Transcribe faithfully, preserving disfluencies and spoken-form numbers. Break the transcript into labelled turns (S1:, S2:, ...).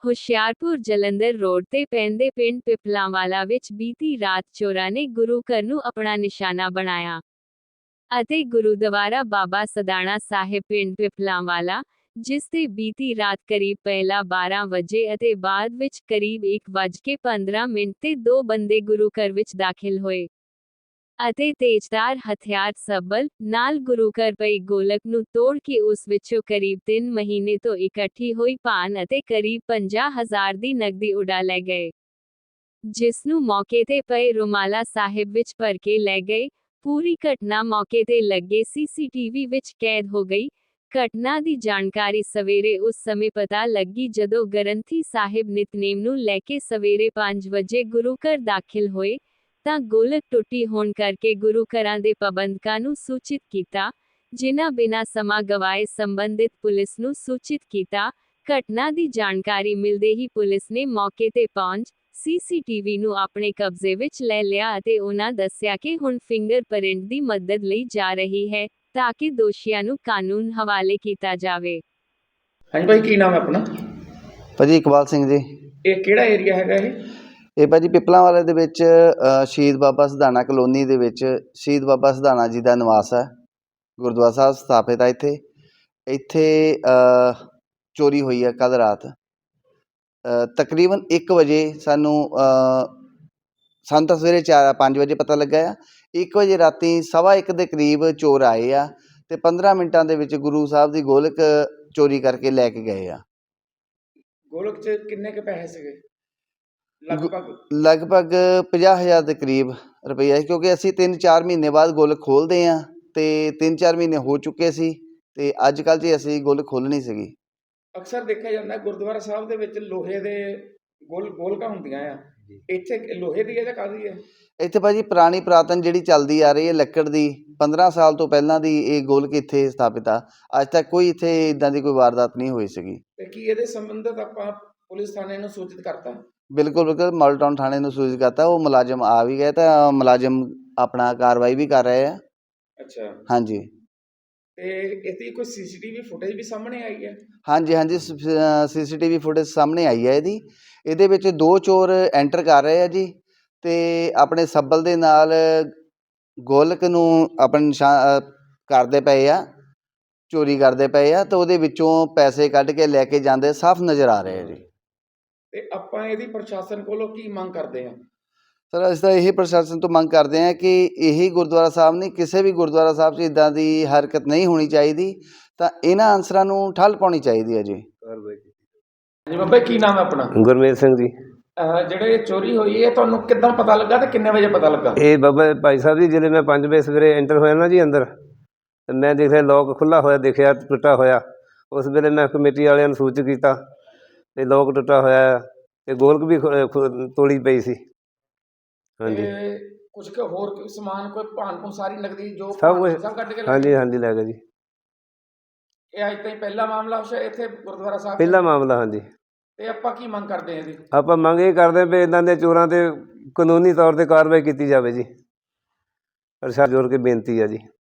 S1: Hoshiarpur Jalandhar road ਤੇ ਪੈਂਦੇ ਪਿੰਡ ਪਿਪਲਾਂਵਾਲਾ ਵਿੱਚ ਬੀਤੀ ਰਾਤ ਚੋਰਾਂ ਨੇ ਗੁਰੂ ਘਰ ਨੂੰ ਆਪਣਾ ਨਿਸ਼ਾਨਾ ਬਣਾਇਆ ਅਤੇ ਗੁਰਦੁਆਰਾ ਬਾਬਾ ਸਦਾਣਾ ਸਾਹਿਬ ਪਿੰਡ ਪਿਪਲਾਂਵਾਲਾ, ਜਿਸ ਤੇ ਬੀਤੀ ਰਾਤ ਕਰੀਬ ਪਹਿਲਾ ਬਾਰਾਂ ਵਜੇ ਅਤੇ ਬਾਅਦ ਵਿੱਚ ਕਰੀਬ ਇੱਕ ਵੱਜ ਕੇ ਪੰਦਰਾਂ ਮਿੰਟ ਤੇ ਦੋ ਬੰਦੇ ਗੁਰੂ ਘਰ ਵਿੱਚ ਦਾਖਲ ਹੋਏ ਅਤੇ ਤੇਜ਼ਧਾਰ ਹਥਿਆਰ ਸਬਲ ਨਾਲ ਗੁਰੂ ਘਰ ਪਈ ਗੋਲਕ ਨੂੰ ਤੋੜ ਕੇ ਉਸ ਵਿੱਚੋਂ ਕਰੀਬ ਤਿੰਨ ਮਹੀਨੇ ਤੋਂ ਇਕੱਠੀ ਹੋਈ ਪਾਨ ਅਤੇ ਕਰੀਬ ਪੰਜਾਹ ਹਜ਼ਾਰ ਦੀ ਨਕਦੀ ਉਡਾ ਲੈ ਗਏ, ਜਿਸ ਨੂੰ ਮੌਕੇ ਤੇ ਪਏ ਰੁਮਾਲਾ ਸਾਹਿਬ ਵਿੱਚ ਭਰ ਕੇ ਲੈ ਗਏ। ਪੂਰੀ ਘਟਨਾ ਮੌਕੇ ਤੇ ਲੱਗੇ ਸੀਸੀਟੀਵੀ ਵਿੱਚ ਕੈਦ ਹੋ ਗਈ। ਘਟਨਾ ਦੀ ਜਾਣਕਾਰੀ ਸਵੇਰੇ ਉਸ ਸਮੇਂ ਪਤਾ ਲੱਗੀ ਜਦੋਂ ਗ੍ਰੰਥੀ ਸਾਹਿਬ ਨਿਤਨੇਮ ਨੂੰ ਲੈ ਕੇ ਸਵੇਰੇ ਪੰਜ ਵਜੇ ਗੁਰੂ ਘਰ ਦਾਖਲ ਹੋਏ ਤਾਂ ਗੋਲਕ ਟੁੱਟੀ ਹੋਣ ਕਰਕੇ ਗੁਰੂ ਘਰਾਂ ਦੇ ਪ੍ਰਬੰਧਕਾਂ ਨੂੰ ਸੂਚਿਤ ਕੀਤਾ, ਜਿਨ੍ਹਾਂ ਬਿਨਾਂ ਸਮਾਂ ਗਵਾਏ ਸੰਬੰਧਿਤ ਪੁਲਿਸ ਨੂੰ ਸੂਚਿਤ ਕੀਤਾ। ਘਟਨਾ ਦੀ ਜਾਣਕਾਰੀ ਮਿਲਦੇ ਹੀ ਪੁਲਿਸ ਨੇ ਮੌਕੇ ਤੇ ਪਹੁੰਚ ਸੀਸੀਟੀਵੀ ਨੂੰ ਆਪਣੇ ਕਬਜ਼ੇ ਵਿੱਚ ਲੈ ਲਿਆ ਅਤੇ ਉਹਨਾਂ ਦੱਸਿਆ ਕਿ ਹੁਣ ਫਿੰਗਰਪ੍ਰਿੰਟ ਦੀ ਮਦਦ ਲਈ ਜਾ ਰਹੀ ਹੈ ਤਾਂ ਕਿ ਦੋਸ਼ੀਆਂ ਨੂੰ ਕਾਨੂੰਨ ਹਵਾਲੇ ਕੀਤਾ ਜਾਵੇ।
S2: ਹਾਂਜੀ ਭਾਈ, ਕੀ ਨਾਮ ਹੈ ਆਪਣਾ?
S3: ਭਾਜੀ ਇਕਬਾਲ ਸਿੰਘ ਜੀ।
S2: ਇਹ ਕਿਹੜਾ ਏਰੀਆ ਹੈਗਾ ਇਹ?
S3: ਇਹ ਭਾਜੀ ਪਿਪਲਾਂਵਾਲੇ ਦੇ ਵਿੱਚ ਅ, ਸ਼ਹੀਦ ਬਾਬਾ ਸਧਾਣਾ ਕਲੋਨੀ ਦੇ ਵਿੱਚ ਸ਼ਹੀਦ ਬਾਬਾ ਸਧਾਣਾ ਜੀ ਦਾ ਨਿਵਾਸ ਹੈ। ਗੁਰਦੁਆਰਾ ਸਾਹਿਬ ਸਥਾਪਿਤ ਹੈ ਇੱਥੇ। ਇੱਥੇ ਅ, ਚੋਰੀ ਹੋਈ ਹੈ ਕੱਲ੍ਹ ਰਾਤ ਅ, ਤਕਰੀਬਨ ਇੱਕ ਵਜੇ ਸਾਨੂੰ ਅ, ਸਾਨੂੰ ਤਾਂ ਸਵੇਰੇ ਚਾਰ ਪੰਜ ਵਜੇ ਪਤਾ ਲੱਗਾ ਆ। ਇੱਕ ਵਜੇ ਰਾਤੀ ਸਵਾ ਇੱਕ ਦੇ ਕਰੀਬ ਚੋਰ ਆਏ ਆ ਅਤੇ ਪੰਦਰਾਂ ਮਿੰਟਾਂ ਦੇ ਵਿੱਚ ਗੁਰੂ ਸਾਹਿਬ ਦੀ ਗੋਲਕ ਚੋਰੀ ਕਰਕੇ ਲੈ ਕੇ ਗਏ ਆ।
S2: ਗੋਲਕ 'ਚ ਕਿੰਨੇ ਕੁ ਪੈਸੇ ਸੀਗੇ ਲਗਭਗ?
S3: ਲਗਭਗ ਪੰਜਾਹ ਹਜ਼ਾਰ ਦੇ ਕਰੀਬ ਰੁਪਈਆ ਸੀ, ਕਿਉਂਕਿ ਅਸੀਂ ਤਿੰਨ ਚਾਰ ਮਹੀਨੇ ਬਾਅਦ ਗੋਲਕ ਖੋਲ੍ਹਦੇ ਹਾਂ ਅਤੇ ਤਿੰਨ ਚਾਰ ਮਹੀਨੇ ਹੋ ਚੁੱਕੇ ਸੀ ਅਤੇ ਅੱਜ ਕੱਲ੍ਹ 'ਚ ਅਸੀਂ ਗੋਲਕ ਖੋਲ੍ਹਣੀ ਸੀਗੀ।
S2: ਅਕਸਰ ਦੇਖਿਆ ਜਾਂਦਾ ਗੁਰਦੁਆਰਾ ਸਾਹਿਬ ਦੇ ਵਿੱਚ ਲੋਹੇ ਦੇ ਗੋਲ ਗੋਲਕਾਂ ਹੁੰਦੀਆਂ ਆ, ਇੱਥੇ ਲੋਹੇ ਦੀ ਹੈ ਜਾਂ ਕਾਹਦੀ ਹੈ?
S3: ਇੱਥੇ ਭਾਜੀ ਪੁਰਾਣੀ ਪੁਰਾਤਨ ਜਿਹੜੀ ਚੱਲਦੀ ਆ ਰਹੀ ਹੈ ਲੱਕੜ ਦੀ, ਪੰਦਰਾਂ ਸਾਲ ਤੋਂ ਪਹਿਲਾਂ ਦੀ ਇਹ ਗੋਲਕ ਇੱਥੇ ਸਥਾਪਿਤ ਆ। ਅੱਜ ਤੱਕ ਕੋਈ ਇੱਥੇ ਇੱਦਾਂ ਦੀ ਕੋਈ ਵਾਰਦਾਤ ਨਹੀਂ ਹੋਈ ਸੀਗੀ।
S2: ਅਤੇ ਕੀ ਇਹਦੇ ਸੰਬੰਧਿਤ ਆਪਾਂ ਪੁਲਿਸ ਥਾਣੇ ਨੂੰ ਸੂਚਿਤ ਕਰਤਾ?
S3: ਬਿਲਕੁਲ ਬਿਲਕੁਲ ਮਾਡਲ ਟਾਊਨ ਥਾਣੇ ਨੂੰ ਸੂਚਿਤ ਕਰਤਾ। ਉਹ ਮੁਲਾਜ਼ਮ ਆ ਵੀ ਗਏ ਤਾਂ ਮੁਲਾਜ਼ਮ ਆਪਣਾ ਕਾਰਵਾਈ ਵੀ ਕਰ ਰਹੇ ਆ।
S2: ਅੱਛਾ,
S3: ਹਾਂਜੀ।
S2: ਤੇ ਇਹਦੀ ਕੋਈ ਸੀਸੀਟੀਵੀ ਫੁਟੇਜ ਵੀ ਸਾਹਮਣੇ ਆਈ ਹੈ?
S3: ਹਾਂਜੀ ਹਾਂਜੀ, ਸੀਸੀਟੀਵੀ ਫੁਟੇਜ ਸਾਹਮਣੇ ਆਈ ਹੈ ਇਹਦੀ। ਇਹਦੇ ਵਿੱਚ ਦੋ ਚੋਰ ਐਂਟਰ ਕਰ ਰਹੇ ਆ ਜੀ ਅਤੇ ਆਪਣੇ ਸੱਬਲ ਦੇ ਨਾਲ ਗੋਲਕ ਨੂੰ ਆਪਣੇ ਨਿਸ਼ਾਨ ਕਰਦੇ ਪਏ ਆ, ਚੋਰੀ ਕਰਦੇ ਪਏ ਆ ਅਤੇ ਉਹਦੇ ਵਿੱਚੋਂ ਪੈਸੇ ਕੱਢ ਕੇ ਲੈ ਕੇ ਜਾਂਦੇ ਸਾਫ਼ ਨਜ਼ਰ ਆ ਰਹੇ ਆ ਜੀ।
S2: ਅਤੇ ਆਪਾਂ ਇਹਦੀ ਪ੍ਰਸ਼ਾਸਨ ਕੋਲੋਂ ਕੀ ਮੰਗ ਕਰਦੇ ਹਾਂ?
S3: ਸਰ ਅਸੀਂ ਤਾਂ ਇਹੀ ਪ੍ਰਸ਼ਾਸਨ ਤੋਂ ਮੰਗ ਕਰਦੇ ਹਾਂ ਕਿ ਇਹੀ ਗੁਰਦੁਆਰਾ ਸਾਹਿਬ ਨਹੀਂ, ਕਿਸੇ ਵੀ ਗੁਰਦੁਆਰਾ ਸਾਹਿਬ 'ਚ ਇੱਦਾਂ ਦੀ ਹਰਕਤ ਨਹੀਂ ਹੋਣੀ ਚਾਹੀਦੀ, ਤਾਂ ਇਹਨਾਂ ਅਨਸਰਾਂ ਨੂੰ ਠੱਲ ਪਾਉਣੀ ਚਾਹੀਦੀ ਹੈ ਜੀ।
S2: ਜੀ ਬਾਬਾ, ਕੀ ਨਾਮ ਹੈ ਆਪਣਾ?
S4: ਗੁਰਮੇਲ ਸਿੰਘ ਜੀ।
S2: ਜਿਹੜੇ ਚੋਰੀ ਹੋਈ ਹੈ ਤੁਹਾਨੂੰ ਕਿੱਦਾਂ ਪਤਾ ਲੱਗਾ ਤੇ ਕਿੰਨੇ ਵਜੇ ਪਤਾ ਲੱਗਾ?
S4: ਇਹ ਬਾਬਾ ਭਾਈ ਸਾਹਿਬ ਜੀ, ਜਦੋਂ ਮੈਂ ਪੰਜ ਵਜੇ ਸਵੇਰੇ ਐਂਟਰ ਹੋਇਆ ਨਾ ਜੀ ਅੰਦਰ, ਤੇ ਮੈਂ ਦੇਖਿਆ ਲੋਕ ਖੁੱਲ੍ਹਾ ਹੋਇਆ, ਦੇਖਿਆ ਟੁੱਟਾ ਹੋਇਆ। ਉਸ ਵੇਲੇ ਮੈਂ ਕਮੇਟੀ ਵਾਲਿਆਂ ਨੂੰ ਸੂਚਿਤ ਕੀਤਾ ਤੇ ਲੋਕ ਟੁੱਟਾ ਹੋਇਆ ਤੇ ਗੋਲਕ ਵੀ ਤੋੜੀ ਪਈ ਸੀ। ਹਾਂਜੀ,
S2: ਕੁਝ ਕੁ ਹੋਰ ਸਮਾਨ, ਕੋਈ ਭਾਨ ਭੂਨ, ਸਾਰੀ ਨਕਦੀ ਜੋ
S4: ਸਭ ਕੁਝ
S2: ਸਭ ਕੱਢ ਕੇ?
S4: ਹਾਂਜੀ ਹਾਂਜੀ ਲੈ ਗਏ ਜੀ।
S2: ਇਹ ਅੱਜ ਤਾਈਂ ਪਹਿਲਾ ਮਾਮਲਾ ਹੋਇਆ ਇੱਥੇ ਗੁਰਦੁਆਰਾ ਸਾਹਿਬ?
S4: ਪਹਿਲਾ ਮਾਮਲਾ। ਹਾਂਜੀ।
S2: ਤੇ ਆਪਾਂ ਕੀ ਮੰਗ ਕਰਦੇ ਹਾਂ ਇਹਦੀ?
S4: ਆਪਾਂ ਮੰਗ ਇਹ ਕਰਦੇ ਵੀ ਇੱਦਾਂ ਦੇ ਚੋਰਾਂ 'ਤੇ ਕਾਨੂੰਨੀ ਤੌਰ 'ਤੇ ਕਾਰਵਾਈ ਕੀਤੀ ਜਾਵੇ ਜੀ। ਪ੍ਰਸ਼ਾਸਨ ਜੋੜ ਕੇ ਬੇਨਤੀ ਹੈ ਜੀ।